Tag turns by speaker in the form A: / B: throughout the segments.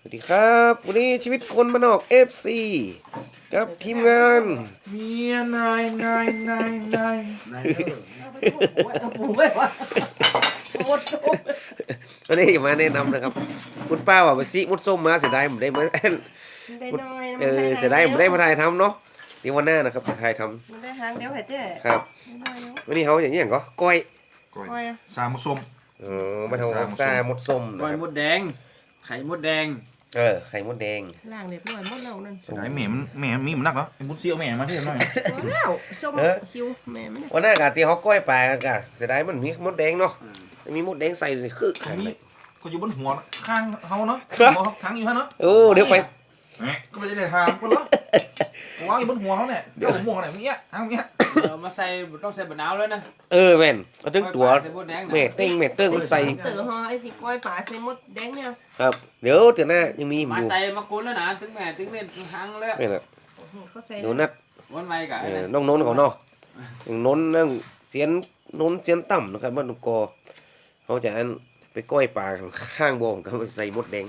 A: สวัสดีครับวันนี้ชีวิตคนบ้านนอก FC กับทีมงาน
B: เมียนายเด้อ
A: วันนี้มาแนะนำนะครับคุณป้าว่าไปซิมุดส้มมาเสียดายผมได้มา
C: ได้น้อย
A: เสียดายผมได้มาถ่ายทำเนาะเดี๋ยววันหน้านะครับจะถ่ายท
C: มันได้หางเดียวเหรอเจ๊
A: ำครับ วันนี้เขาอย่างนี้อย่างก็ก้อย
B: ก้อยสามส้ม
A: มาทำซ่ามุดส้ม
D: ก้
A: นะ
D: อย
A: ครับ
D: มดแดง ไข่มดแดง
A: ไข่มดแดง
C: ล่างเรียบร้อยหมดแล้วนั่น
B: ไอ้แม่มีมันนักเหรอไอ้บุญเสียวแม่มาที่หน่อย
C: พอแล้วส้มคิวแม่ไม่ได้
A: วันหน้ากะที่เขาก้อยปลากันกะเสียดายมันมีมดแดงเนาะมีมดแดงใส่เลยคือขันเลย
B: ก็อยู่บนหัวข้างเขาเนาะทางอยู่ฮะเนาะ
A: โอ้เดี๋ยวไป
B: ก็ไม่ได้ทางคนละวางอยู่บนหัวเขาเนี่ยเจ้าหัวเนี่ยเนี้ยทางเนี้ย
D: เรามาใส่ต้องใส่บะนาวแล้วนะ
A: แม่นเอาถึงตัว
D: ใส่มดแดงนะ
A: แม่เต้งมันใส่
C: เต๋อฮอไอ้ที่ก้อยป่าใส่มดแดงเนี่ย
A: ครับเดี๋ยวเดี๋ยวหน้ายังมี
D: มา
A: อยู่
D: ใส่มากุนแล้วนะถึงแม่ถึงเล่นหังแล้ว
A: ไม่ละ
C: เขาใส่
A: เดี๋ยวนัด
D: วันใหม่กับ
A: น้องนนท์เขาเนาะน้องนนท์นั่งเสียนนนท์เสียนต่ำนะครับบ้านนุกอเขาจะอันไปก้อยปลาข้างบ่อเขาไปใส่มดแดง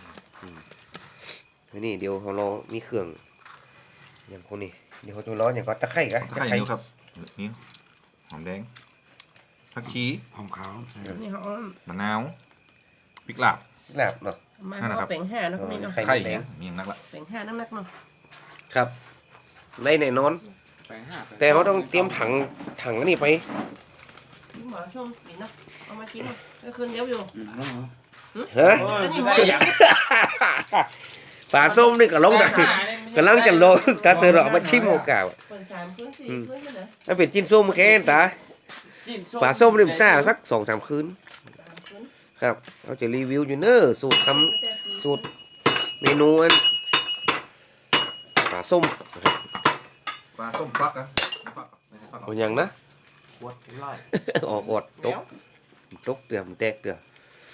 A: นี่เดี๋ยวเขารอมีเครื่องอย่างคนนี้เดี๋ยวเขาจะร้อนอย่างก็ตะไคร้กะ
B: ไข่อยู่ครับนี่หอมแดงผักชีหอมขาว
C: นี่เขา
B: มะนาวพริกลาบ
A: ลาบเนาะ
C: มาเขาแป่งห้านะคนนี้เนาะ
A: ไข่
B: ไข่
A: แดง
B: มีอย่างนักละ
C: แป่งห้าน้ำหนักเนาะ
A: ครับในแน่นอน
D: แปลงห้า
A: แต่เขาต้องเตรียมถังอันนี้ไป
C: หมอชมกินเนาะเอามากินเนาะก็คืนเดียวอยู่
A: ฮะ
C: อันนี้
D: ได้อย่าง
A: ปลาส้มนี่ก็ลงดักกำลังจะลงตาเสือดอกมาชิมโอกาส
C: เปิดสามคืนสี่คืนเลยนะ
A: ถ้าเป็นจิ้นส้มแค่ตาปลาส้มนี่มันต้าสัก2-3 คืน
C: สามคืน
A: ครับเราจะรีวิวอยู่เนอะสูตรทำสูตรเมนูอันปลาส้มนะครับ
B: ปลาส้มฟักอะฟัก
A: เอาอย่างนะ
B: ขวดไล่
A: ออกอดตกเตือมนแตกเตือ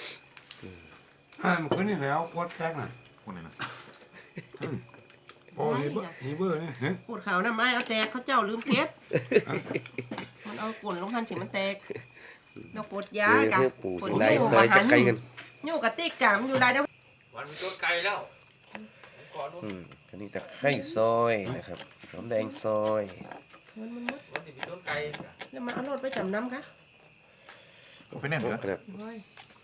E: มันขึ้นนี่แล้วโคตรแป๊กน่ะ
B: คนไหนนะ
E: โอ้ฮีเบอร์นี่เฮ้ย
C: ขูดขาวน้ำไม้เอาแตกเขาเจ้าลืมเก็บมันเอากลนลงหันถึงมันแตกเรากดยา
A: เพื่อปูสิงไรซอยจะไกลกัน
C: อยู่กับติ๊กกามอยู่ได้เด้อ
D: วันโดนไก่แล้ว
A: อันนี้ตะไคร้ซอยนะครับหอมแดงซอย
C: มันมด
D: วันที่โดนไก่
C: แล้วมาเอารถไปจำนำคะ
B: ไปแน่นเหรอ
A: ครับ
C: โอ้ย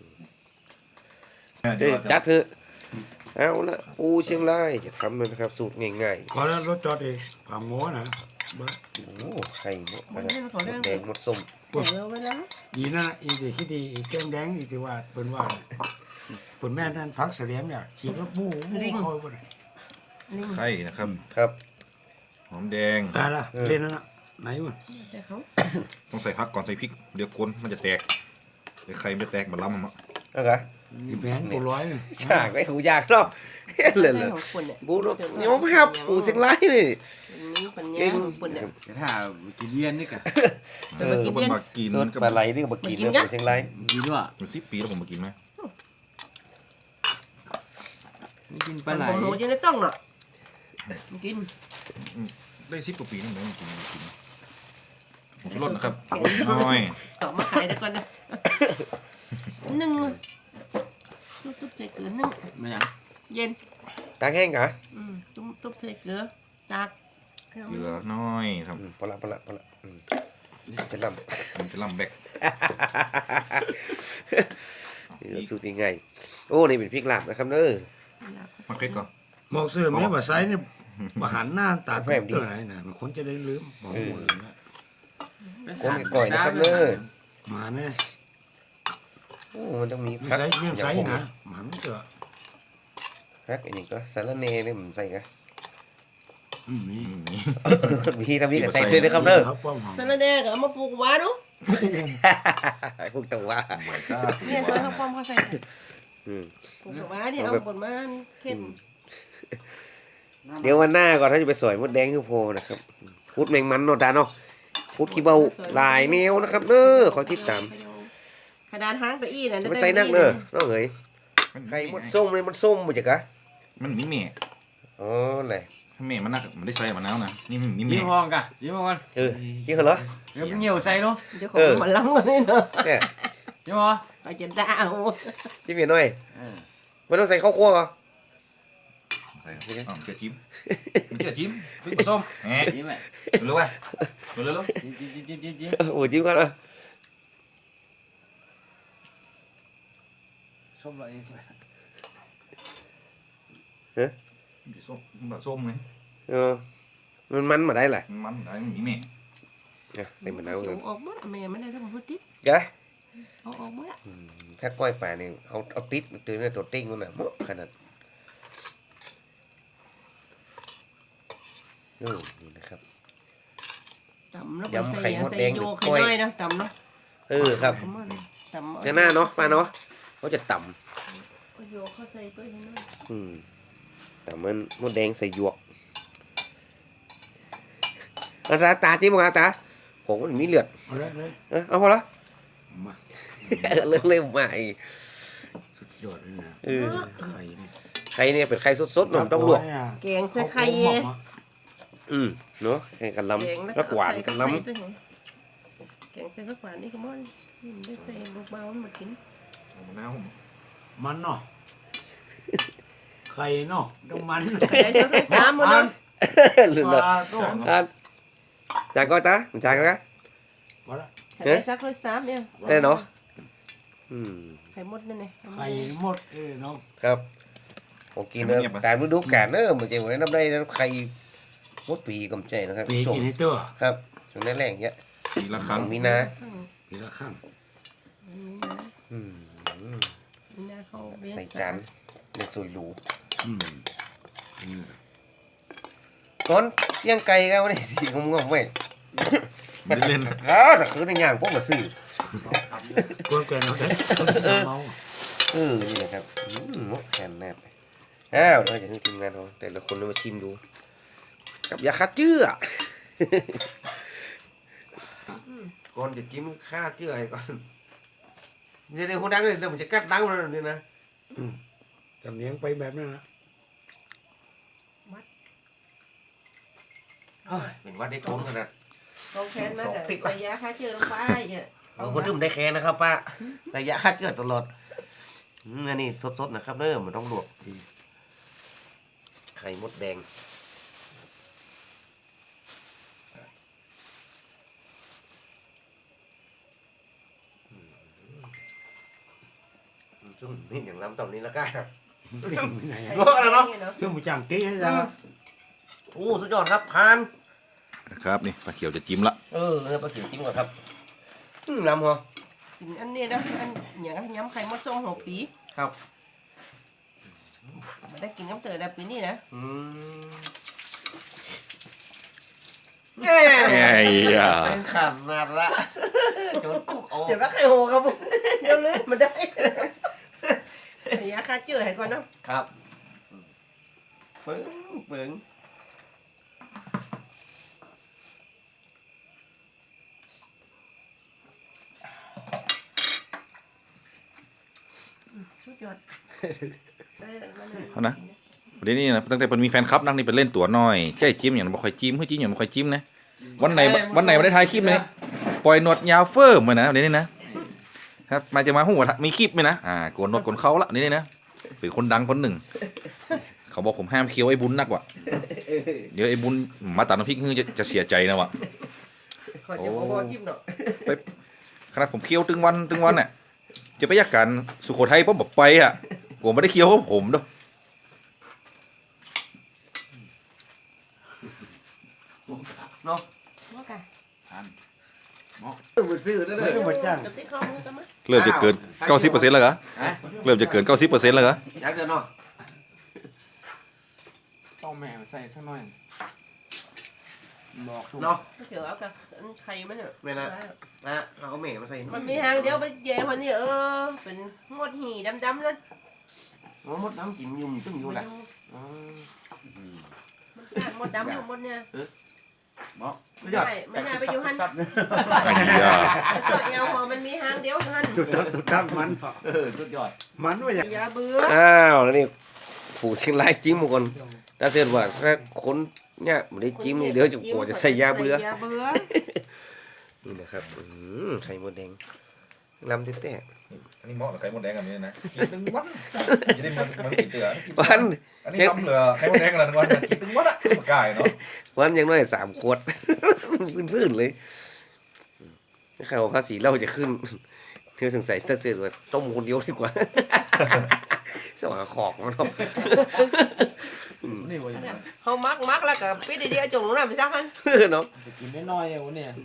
A: จัดเถอะเอาละปูเชียงรายจะทำเลยนะครับ สูตรง่าย
E: ก่อนนั้นรถจอดเองผ่าหมูนะเบิ้
A: ๆโอ้ไข่หมด
C: มัน
A: นะ
C: ให้มันขอ
A: หม
C: เรื่อง
A: ดแดงหมดส้ม
C: เดี๋ยวเวลา
E: ดีนั่นน่ะอีที่คิดดีอีแก้มแดงอีที่ว่าเป็นว่าเป็นแม่นั่นพักเสลียมเนี่ยขี่รถบู๊คอยบ่ได้
C: ลิง
B: ไข่นะครับ
A: ครับ
B: หอมแดง
E: ได้ละเล่นนั่นน่ะไหนวะ
C: แต่เขา
B: ต้องใส่ผักก่อนใส่พริกเดี๋ยวคนมันจะแตกเดี๋ยวไข่ไม่แตกมันล้ำมัน
A: เอาละ
E: อีแผนปูร้อย
A: ฉากไอ้หูยากเนาะเลย
C: ให้ของคนเนี่ย
A: บูรบยอมครับปูเชียงรายนี่
C: นี้ปัญญาของคนเนี่ย
D: เสียท่ากินเย็นนี่กัน
B: ก็มันมากิน
A: สูต
B: มัน
A: ร
B: ก็
A: ปลาไหลนี่ก็มากินเนื้อปูเชียงราย
D: กินว่ะ
B: มัน10 ปีแล้วผมมากินไหม
D: ไม่กินป
C: ปั
D: ลาไหล
C: หนูยังได้ต้องเนาะกิน
B: ได้10 กว่าปีนี่มันกินผมรสนะครับน้อย
C: ต่อมาขายได้ก่อนนะนึ่งตุ๊บใส่เกลือนึ่ง
D: ไม่อย่าง
C: เย็น
A: ตากแห้งกะ
C: ตุ๊บใส่เกลือจาก
B: เกลือน้อยครับ
A: พอละจะล
B: มันจะลำแบก
A: ำสูตรง่ายโอ้นี่เป็นพริกลาบนะครับเด้อ
B: มาเก็ตก่อน
E: หมอกเสื้อแม่ว่าไซเนี่ยมาหันหน้าตาเตัวไหนน่ะมันคนจะได้ลืมหมอกหมดเลยนะ
A: ก้นก่อยนะครับเด้อ
E: มาเนี่ย
A: โอ้มันต้องมี
E: มี
A: พัก
E: ไซเยี่ยม
A: อย่า
E: ไซ
A: งผม
E: นะหมันเถอะ
A: พักอันนี้ก็สารเนนี่มันใส่กะ
E: นี่
A: มีทำนี้กับใส่ด้วยนะครับเด้อ
E: เขาป้อมหอม
C: สารแดงเอามาปลูกว้าดู
A: พวกตัวว่า
C: เนี่ยซอยข้าวป้อมเขาใส่
A: อืม
C: ปลูกว้าเนี่ยเอาผลมานี่เข้ม
A: เดี๋ยววันหน้าก่อนถ้าจะไปสอยมดแดงคือโพนะครับพูดแมงมันเนาะตาเนาะพูดขี้เบาหลายแนวนะครับเด้อขอติดตาม
C: ขนาดหางตะอี้น่ะ
A: ไม่ใส่นักเด้อน้องเอ๋ยไข่มดส้มเลยมันส้มบ่จักกะ
B: มันมีเมฆ
A: อ๋อไหน
B: เมฆมันนักมันได้ใส่มะนาวนะนี่มีเม
D: ยิ้ม
B: ฆ
D: ห้องกันยิ้มห้องกัน
A: จริงเหรอ
D: เดี๋ยวเหี่ยวใส่เนาะ
C: เดี๋ยวของมันล้ำกันนี่เนาะ
A: เนี่ย
D: ยิ้มห้อง
C: ไปจะด่าเอา
A: จิ้มเห็นหน่อยไม่ต้องใส่ข้าวคั่วเหรอ
B: ใส่อ๋อเกลือจิ้มมันเกลือจิ้มพริกผสมแหม
D: จิ้มไหม
B: รู้ป่ะรู้แล้ว
D: จิ้ม
A: โอ้จิ้มก่อนอ่ะ
D: ส้มอะไร
B: ส้มแบบส้มไง
A: มันมาได้แหละ
B: มันได้มีแม่
A: เนี่ยใส่มะนาว
C: เขี
A: เลย
C: ยวออกหมดอะแม่ไม่ได้ทั้งหมดติ๊บ
A: เดี๋ยว
C: เอาออกหมดอะ
A: ถ้าก้อยป่านี่เอาติดตื่นในตัวติ้งมันน่ะหมดขนาดนี่นะครับ
C: ตำแล้วก็
A: ยำ
C: ใส่
A: ไข่มดแดง
C: ใส่โย
A: หรือ
C: ไข่
A: กล้วย
C: น้อยนะตำเนาะ
A: ครับ
C: เอามาเลยตำ
A: เนี่ยหน้าเนาะป้าเนาะเขาจะต่
C: เอาโยเข้าใส่กล้วยให้น้อย
A: ำแต่มันมดแดงใส่หยวกตาจิ้มมาตาผมมันมีเลือด
E: เอาเลยเลย
A: เอาพอละ
E: มา
A: เลิกเล่มมาอีก
E: สุดยอดเลยนะ
A: เออ
E: ไข่นี่
A: ไข่เนี่ยเป็นไข่สดๆเนาะต้องลวก
C: แกงใส่ไข่
E: เอา
C: เ
E: มา
A: เนาะแข่งกัน
C: แกง
A: ล้ำแล้วหวานกันล้
C: แกงใส่ผักหวานนี่ก็มันนี่มันได้ใส่ลูกเบามันมากิน
B: มะนาว
E: มันเนาะไข่เนาะต้องมัน
C: ใส่เจ้าด้วยซ้ำหมดเนาะ
A: ำหรือ
E: ป
A: เนาะ
E: ลาต้อง
A: จานก้อยตาจานก้อย
E: มาละ
C: ใส่ซักด้วยซ้ำเนี่ย
A: ได้เนาะ
C: ไข่มดนั่นไง
E: ไข่หมดเนาะ
A: ครับผมกินเนอะตามฤดูกาลเนอะมันจะวันน้ำได้ไข่มดปีกำใจนะครับ
E: ปีกินให้ตัว
A: ครับช่วงนั้นแรงเยอะ
B: ปีละครั้ง
A: มีนา
E: ปีละข้าง
C: มีนาเขาเบี้ย
A: ใส่จานในสวยหรู
E: อืม
A: ก้อนเสียงไก่กันวันนี้สีงงๆเว้ย
B: ไม่ได้เล่น
A: แต่คือในงานพวกมาซื้อ
E: กวนแกนเอาได้เมา
A: นี่นะครับมดแคนแนบเราจะให้ทีมงานเราแต่ละคนมาชิมดู กับยาฆ่าเชื้อก่อนจะจิ้มฆ่าเชื้อให้ก่อนเดี๋ยวคนดังเลยเดี๋ยวมันจะกัดดังเลยนี่นะ
E: จำเนียงไปแบบนั้นนะ
A: เป็นวัดได้ทนขนาด
C: เขาแค้นมาแต่ใส่ยาฆ่าเชื้อลงไปเนี่ย
A: เอาคนที่มันได้แค่นะครับป้าระยะฆ่าเชื้อตลอดอันนี้สดๆนะครับเริ่มมันต้องลวกไข่มดแดงซึ่งนี่อย่างล้ำตอนนี้แล้วกัน
E: ไง
A: ลวกอะไรเนาะ
E: ช่วงมือจังตีให้ยัง
A: โอ้สุดยอดครับพาน
B: นะครับนี่ปลาเขียวจะจิ้มละ
A: ปลาเขียวจิ้มก่อนครับล้ำเหรอ
C: กินอันนี้นะอันอย่างยำไข่มดส้มหัวปี
A: ครับ
C: มาได้กินน้ำเตยแบบนี้นะ
A: เย้
B: ย
A: เป็นขนาดละจนกุกออก
C: เดี๋ยวรักไข่โหครับผมเดี๋ยวเลื่อนมาได้ใส่ยาฆ่าเชื้อให้ก่อนเนาะ
A: ครับปึ้งปึ้ง
C: สุดยอด
B: เอานะเดี๋ยวนี้นะตั้งแต่เป็นมีแฟนคลับนั่งนี่เป็นเล่นตัวน้อยใช่จิ้มอย่างบ่ค่อยจิ้มเฮ้ยจิ้มอย่างบ่ค่อยจิ้มนะวันไหนไม่ได้ถ่ายคลิปเลยปล่อยหนวดยาวเฟิร์มเลยนะเดี๋ยวนี้นะครับมาจะมาหัวมีคลิปไหมนะโกนหนวดโกนเขาละนี่นะเป็นคนดังคนหนึ่งเขาบอกผมห้ามเคี้ยวไอ้บุญนักว่ะเดี๋ยวไอ้บุญมาตัดน้ำพริกคือจะเสียใจนะว่ะ
C: ขอจะบอกว่าจิ้มเนาะ
B: ขนาดผมเคี้ยวตึงวันเนี่ยจะไปยากกันสุโขทัยผมบอกไปอ่ะผมไม่ได้เคี้ยวของผมด้วย
A: เนาะ
C: ว่ากัน
A: มาซื้อแล้วเลย
E: ไม่ต้องมาจ้าง
C: จะติดข้อมือกันมั้ย
B: เริ่มจะเกิน 90%แล้วเหรอเริ่มจะเกิน 90%แล้วเหรอ
A: อยากเดินเนาะ
D: ต้องแม่ใส่สักหน่อยบอกชุบ
A: เนาะ
C: เดี๋ยวเอากับไข่มันเนี่ย
A: เวลา นะเราเอาเมฆมาใส่
C: มันมีหางเดียวไปแย่คนนี้เป็นงดหีดำๆนั่น
A: มดน้ำจิ้มยุ่มตึ้งอยู่แหละ
C: มันมดดำมดเนี่ย
A: สุดยอด
C: ไม่น่าไปอยู่หัน
B: ไอ้เหี้ย
C: สอดเอวพอมันมีหางเดียวหัน
E: จุดตั้งมัน
A: สุดยอด
E: มันว่าอย่าง
C: อย่าเบื่อ
A: อ้าวแล้วนี่ผูเชียงรายจิ้มหมดคนถ้าเสร็จว่าถ้าคนเนี่ยไม่ได้จิ้มนี่เดี๋ยวจะกลัวจะใส่ยาเบื่อ
C: อย่าเบื่อ
A: นี่นะครับไข่มดแดงลำเต้
B: อันนี้เหมาะกับไข่มดแดงแบบนี้นะกินตึงวันจะได้มันติดเตือ
A: ๆวัน
B: อันนี้ทำเหลือให้มันแดงกันละวันกินถึงวัดอะมากายเนาะ
A: วันอยังน้อย3 ขวด พื้นๆเลยข่าวภาษีเราจะขึ้นเธอสงสัยถ้าเสือว่าต้มคนเดียวดีกว่า สว่างขอกมันเนาะ
D: นี่วะ
C: เขามักแล้วก็ปิดเดียวจงลงน้ำไปซักฮัน
A: เนาะ
D: กินน้อยๆวันเนี่ย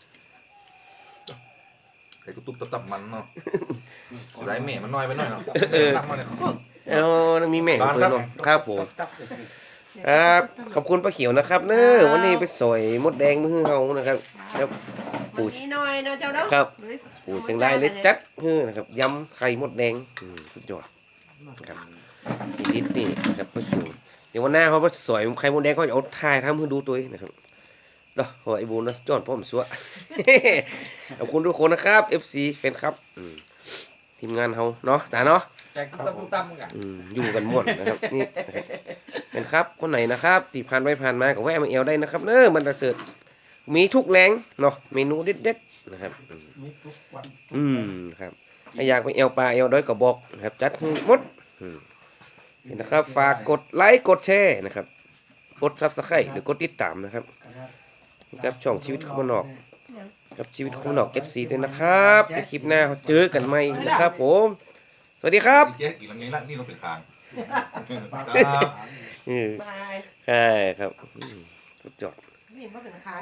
B: ใส่ตุ๊บๆตับๆมันเนาะได้แม่มันน้อยไปหน่อยเนาะตับมันเนี่ย
A: เอามีแม่ง
B: บ้าน
A: เพิ่
B: ครั
A: น
B: บ
A: เนาะครับผมครับขอบคุณป้าเขียวนะครับเนอะวันนี้ไปสอยมดแดงมือเฮานะครับครับ
C: ปูนิดหน่อยเนาะเจ้าเนาะ
A: ครับ ปู่เชียงรายเลยจัดนะครับยำไข่มดแดงสุดยอดครับนิดนี่นะครับป้าเขียวเดี๋ยววันหน้าเขาไปสอยไข่มดแดงเขาจะเอาถ่ายทำให้ดูตัวเองนะครับเนาะขอไอ้บูนะจอนพ่อมสัว ขอบคุณทุกคนนะครับ FC แฟนครับทีมงานเขาเนาะตาเนาะ
D: แจกตุ้มตั้มกัน
A: อยู่กันหมดนะครับนี่นะครับเป็นครับคนไหนนะครับที่ผ่านไปผ่านมาก็แวะมาเอวได้นะครับเนอะมันจะเสิร์ฟมีทุกแรงเนาะเมนูเด็ดๆนะครับ
E: มีทุกวัน
A: ครับถ้าอยากไปเอวปลาเอวด้อยก็บอกนะครับจัดให้หมดนี่นะครับฝากกดไลค์กดแชร์นะครับกดซับสไครต์หรือกดติดตามนะครับกับช่องชีวิตคนนอกกับชีวิตคนนอก FC ด้วยนะครับในคลิปหน้าเจอกันใหม่นะครับผมสวัสดีครับ
B: เจ๊กี่ลำไงละนี่ลงเป็นคาง
A: อืม
C: บาย
A: ใช่ครับสุดยอด
C: นี่มันเป็นค้าง